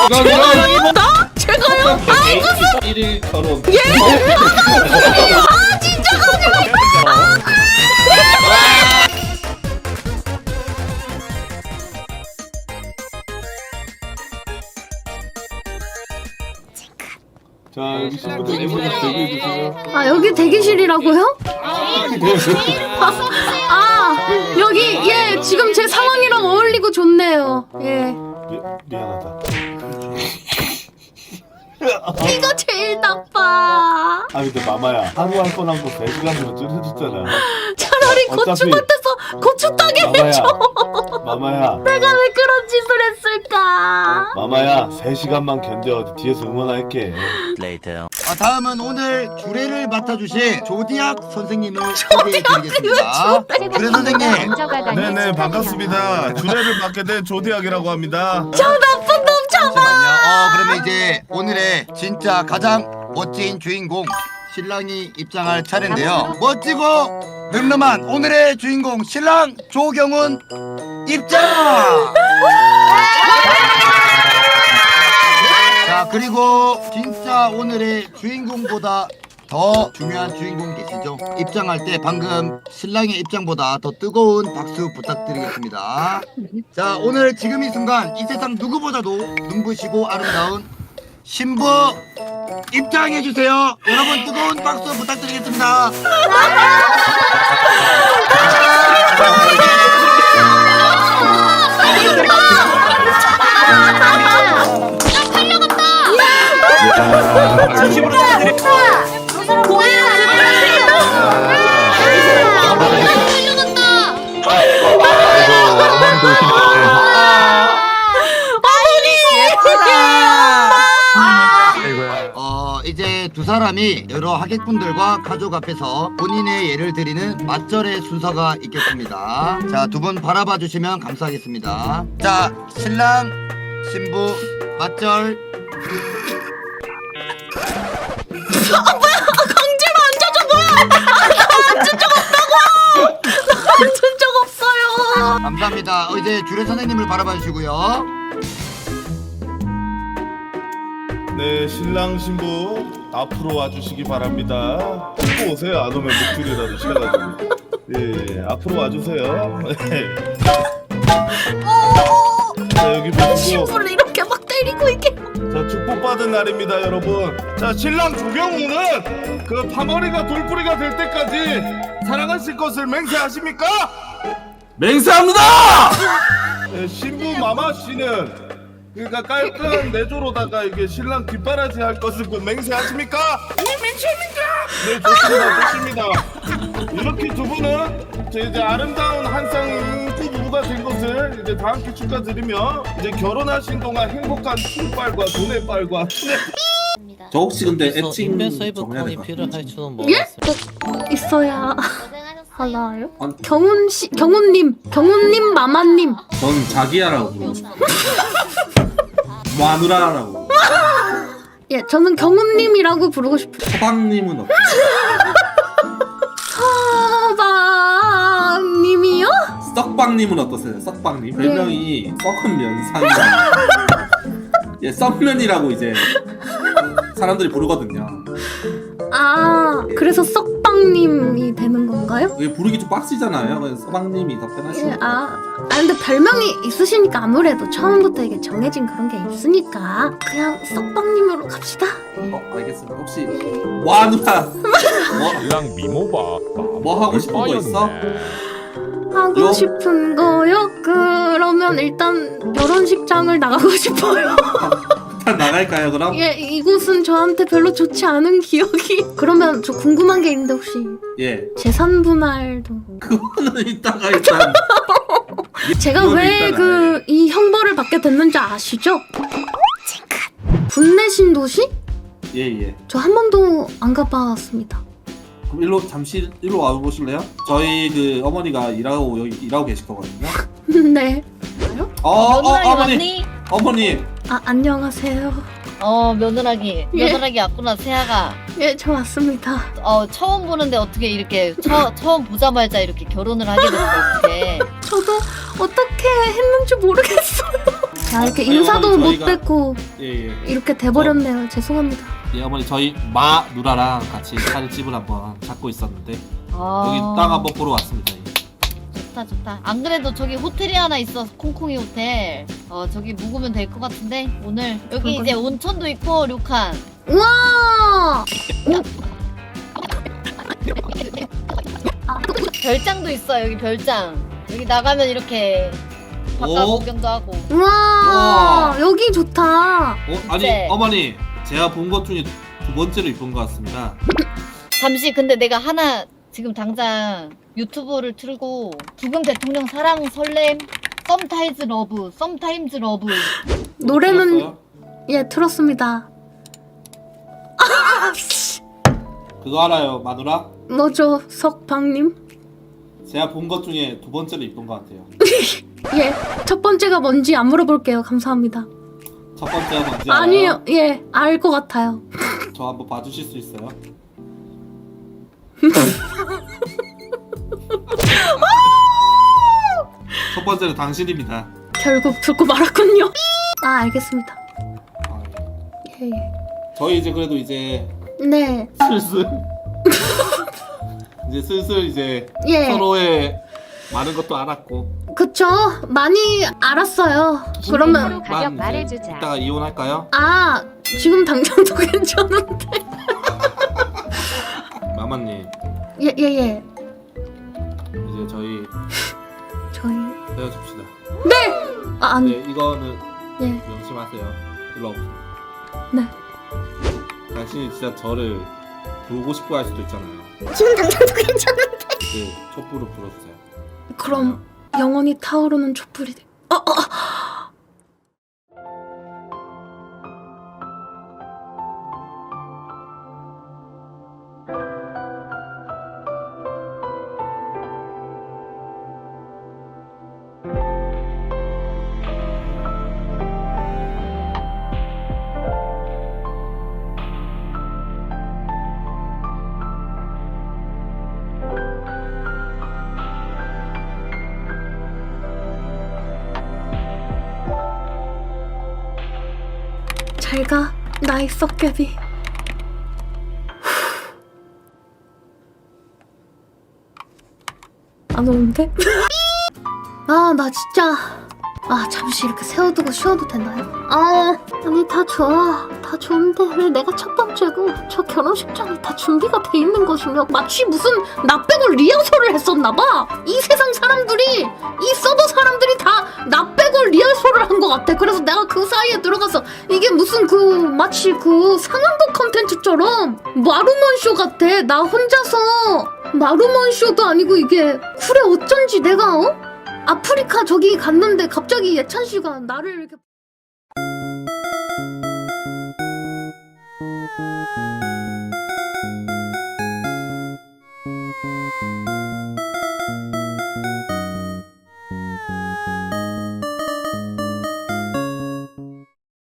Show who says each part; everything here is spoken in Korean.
Speaker 1: 나? 제가요? 아 무슨
Speaker 2: 1일 결혼.
Speaker 1: 예? 아 진짜 가지마.
Speaker 2: 자 여기 친구들 이분들 대기해 주세요.
Speaker 1: 아 여기 대기실이라고요? 아 여기 예 지금 제 상황이랑 어울리고 좋네요. 예.
Speaker 2: 미안하다.
Speaker 1: 이거 제일 나빠.
Speaker 2: 아 근데 마마야 하루 할 뻔한 거 3시간으로 줄여줬잖아.
Speaker 1: 차라리 고추밭에서 고추 따게 해줘.
Speaker 2: 마마야
Speaker 1: 내가 왜 그런 짓을 했을까?
Speaker 2: 마마야 3시간만 견뎌. 뒤에서 응원할게.
Speaker 3: 다음은 오늘 주례를 맡아주실 조디악 선생님을 소개해드리겠습니다. 주례 선생님.
Speaker 4: 네네 반갑습니다. 주례를 맡게 된 조디악이라고 합니다.
Speaker 1: 저 나쁜 놈 잡아.
Speaker 3: 잠시만요. 그러면 이제 오늘의 진짜 가장 멋진 주인공 신랑이 입장할 차례인데요. 멋지고 늠름한 오늘의 주인공 신랑 조경훈 입장! 자 그리고 진짜 오늘의 주인공보다 더 중요한 주인공 계시죠? 입장할 때 방금 신랑의 입장보다 더 뜨거운 박수 부탁드리겠습니다. 자 오늘 지금 이 순간 이 세상 누구보다도 눈부시고 아름다운 신부 입장해주세요. 여러분 뜨거운 박수 부탁드리겠습니다.
Speaker 5: 진심으로
Speaker 3: 이제 두 사람이 여러 하객분들과 가족 앞에서 본인의 예를 드리는 맞절의 순서가 있겠습니다. 자, 두 분 바라봐 주시면 감사하겠습니다. 자, 신랑, 신부, 맞절.
Speaker 1: 강제로 앉아줘 뭐야? 나 앉은 적 없다고. 나 앉은 적 없어요.
Speaker 3: 감사합니다. 이제 주례 선생님을 바라봐 주시고요.
Speaker 4: 네 신랑 신부 앞으로 와주시기 바랍니다. 듣고 오세요. 안 오면 목줄이라도 실어가지고. 예 앞으로 와주세요. 자 여기 보시고
Speaker 1: 신부를 이렇게 막 때리고 이게.
Speaker 4: 자 축복받은 날입니다 여러분. 자 신랑 조경훈은 그 파머리가 돌뿌리가 될 때까지 사랑하실 것을 맹세하십니까?
Speaker 2: 맹세합니다.
Speaker 4: 네, 신부 마마 씨는 그러니까 깔끔한 내조로다가 이게 신랑 뒷바라지 할 것을 그 맹세하십니까? 네 좋습니다 좋습니다. 이렇게 두 분은 이제 아름다운 한 쌍의 인기 부부가 된 것을 이제 다 함께 축하드리며 이제 결혼하신 동안 행복한 춤빨과 돈의 빨과 춘의
Speaker 2: 저 혹시 근데
Speaker 6: 그래서
Speaker 2: 애칭
Speaker 6: 인벤 세이브
Speaker 2: 정해야
Speaker 6: 칸이
Speaker 2: 될것
Speaker 6: 필요할 줄은 몰랐어요.
Speaker 1: 예? 꼭 있어야 하나요?
Speaker 2: 아니.
Speaker 1: 경훈님 마마님.
Speaker 2: 전 자기야라고 부르고 싶어요. 마누라라고.
Speaker 1: 예, 저는 경훈님이라고 부르고 싶어요.
Speaker 2: 서방님은 어때요?
Speaker 1: 서방님이요?
Speaker 2: 썩방님은 어떠세요? 썩방님 별명이 썩은 면상이라. 예 썩면이라고 이제 사람들이 부르거든요.
Speaker 1: 아, 그래서 썩방님이 되는 건가요?
Speaker 2: 이게 부르기 좀 빡시잖아요. 그래서 서방님이 더 편하시고.
Speaker 1: 예, 근데 별명이 있으시니까 아무래도 처음부터 이게 정해진 그런 게 있으니까 그냥 썩방님으로 갑시다.
Speaker 2: 알겠습니다. 혹시 와누라
Speaker 7: 신랑 미모봐.
Speaker 2: 뭐 하고 싶은 거 있어?
Speaker 1: 하고
Speaker 2: 요?
Speaker 1: 싶은 거요? 그러면 일단 결혼식장을 나가고 싶어요.
Speaker 2: 일단 나갈까요 그럼?
Speaker 1: 예, 이곳은 저한테 별로 좋지 않은 기억이. 그러면 저 궁금한 게 있는데 혹시
Speaker 2: 예
Speaker 1: 재산 분할도
Speaker 2: 그거는 이따가 일단
Speaker 1: 제가
Speaker 2: 그거는
Speaker 1: 왜
Speaker 2: 일단
Speaker 1: 그 이 형벌을 받게 됐는지 아시죠? 분내신 도시?
Speaker 2: 예예.
Speaker 1: 저 한 번도 안 가봤습니다.
Speaker 2: 그럼 일로 잠시 일로 와 보실래요? 저희 그 어머니가 여기 일하고 계실 거거든요.
Speaker 1: 네.
Speaker 6: 며느라기
Speaker 2: 어머니
Speaker 6: 왔니?
Speaker 2: 어머니
Speaker 1: 아, 안녕하세요.
Speaker 6: 며느라기
Speaker 1: 예.
Speaker 6: 며느라기 왔구나 세아가.
Speaker 1: 예, 저 왔습니다.
Speaker 6: 처음 보는데 어떻게 이렇게 처음 보자마자 이렇게 결혼을 하게 됐어 어떻게?
Speaker 1: 저도 어떻게 했는지 모르겠어요. 아, 이렇게
Speaker 2: 아니,
Speaker 1: 인사도
Speaker 2: 어머니,
Speaker 1: 못
Speaker 2: 저희가-
Speaker 1: 뵙고
Speaker 2: 예예.
Speaker 1: 이렇게 돼버렸네요. 죄송합니다.
Speaker 2: 예 어머니 저희 마 누나랑 같이 차례집을 한번 잡고 있었는데 여기
Speaker 6: 아,
Speaker 2: 땅 한번 보러 왔습니다. 예.
Speaker 6: 좋다 좋다. 안 그래도 저기 호텔이 하나 있어. 콩콩이 호텔. 저기 묵으면 될 것 같은데 오늘 여기 이제 온천도 있고 료칸.
Speaker 1: 우와!
Speaker 6: 별장도 있어. 여기 별장. 여기 나가면 이렇게 바깥
Speaker 2: 오.
Speaker 6: 구경도 하고.
Speaker 1: 우와!
Speaker 2: 우와.
Speaker 1: 여기 좋다.
Speaker 2: 아니
Speaker 6: 네.
Speaker 2: 어머니 제가 본 것 중에 두 번째로 이쁜 것 같습니다.
Speaker 6: 잠시 근데 내가 하나 지금 당장 유튜브를 틀고 부금 대통령 사랑 설렘 썸타임즈 러브 썸타임즈 러브
Speaker 1: 노래는
Speaker 2: 들었어요?
Speaker 1: 예 들었습니다.
Speaker 2: 그거 알아요 마누라?
Speaker 1: 뭐죠, 석방님?
Speaker 2: 제가 본 것 중에 두 번째로 이쁜 것 같아요.
Speaker 1: 예, 첫 번째가 뭔지 안 물어볼게요. 감사합니다.
Speaker 2: 첫 번째가 뭔지 알아요?
Speaker 1: 아니요, 예, 알 것 같아요.
Speaker 2: 저 한번 봐주실 수 있어요? 첫 번째는 당신입니다.
Speaker 1: 결국 듣고 말았군요. 아, 알겠습니다.
Speaker 2: 아, 예.
Speaker 1: 예,
Speaker 2: 저희 이제 그래도 이제
Speaker 1: 예. 네,
Speaker 2: 슬슬 이제 슬슬 이제
Speaker 1: 예.
Speaker 2: 서로의 많은 것도 알았고
Speaker 1: 그쵸. 많이 알았어요. 그러면
Speaker 5: 가격
Speaker 2: 이제
Speaker 5: 말해주자.
Speaker 2: 이따가 이혼할까요?
Speaker 1: 아, 지금 당장도 괜찮은데.
Speaker 2: 마마님
Speaker 1: 예, 예, 예.
Speaker 2: 이제 저희
Speaker 1: 저희
Speaker 2: 헤어집시다.
Speaker 1: 아, 아니,
Speaker 2: 네 이거는
Speaker 1: 예,
Speaker 2: 명심하세요. 일로 와보세요.
Speaker 1: 네.
Speaker 2: 당신이 진짜 저를 부르고 싶어 할 수도 있잖아요.
Speaker 1: 지금 당장도 괜찮은데.
Speaker 2: 그 촛불을 불어주세요.
Speaker 1: 그럼 영원히 타오르는 촛불이 돼. 잘가, 나의 썩개비. 안 오는데? 아, 나 진짜. 아, 잠시 이렇게 세워두고 쉬어도 되나요? 아니, 다 좋아. 다 좋은데 왜 내가 첫 번째고 저 결혼식장이 다 준비가 돼 있는 것이며 마치 무슨 나 빼고 리허설을 했었나봐. 이 세상 사람들이, 이 서버 사람들이 다 나 빼고 리허설을 한 것 같아. 그래서 내가 그 사이에 들어가서 이게 무슨 마치 상황극 컨텐츠처럼 마루먼 쇼 같아. 나 혼자서 마루먼 쇼도 아니고 이게 그래 어쩐지 내가 아프리카 저기 갔는데 갑자기 예찬 씨가 나를 이렇게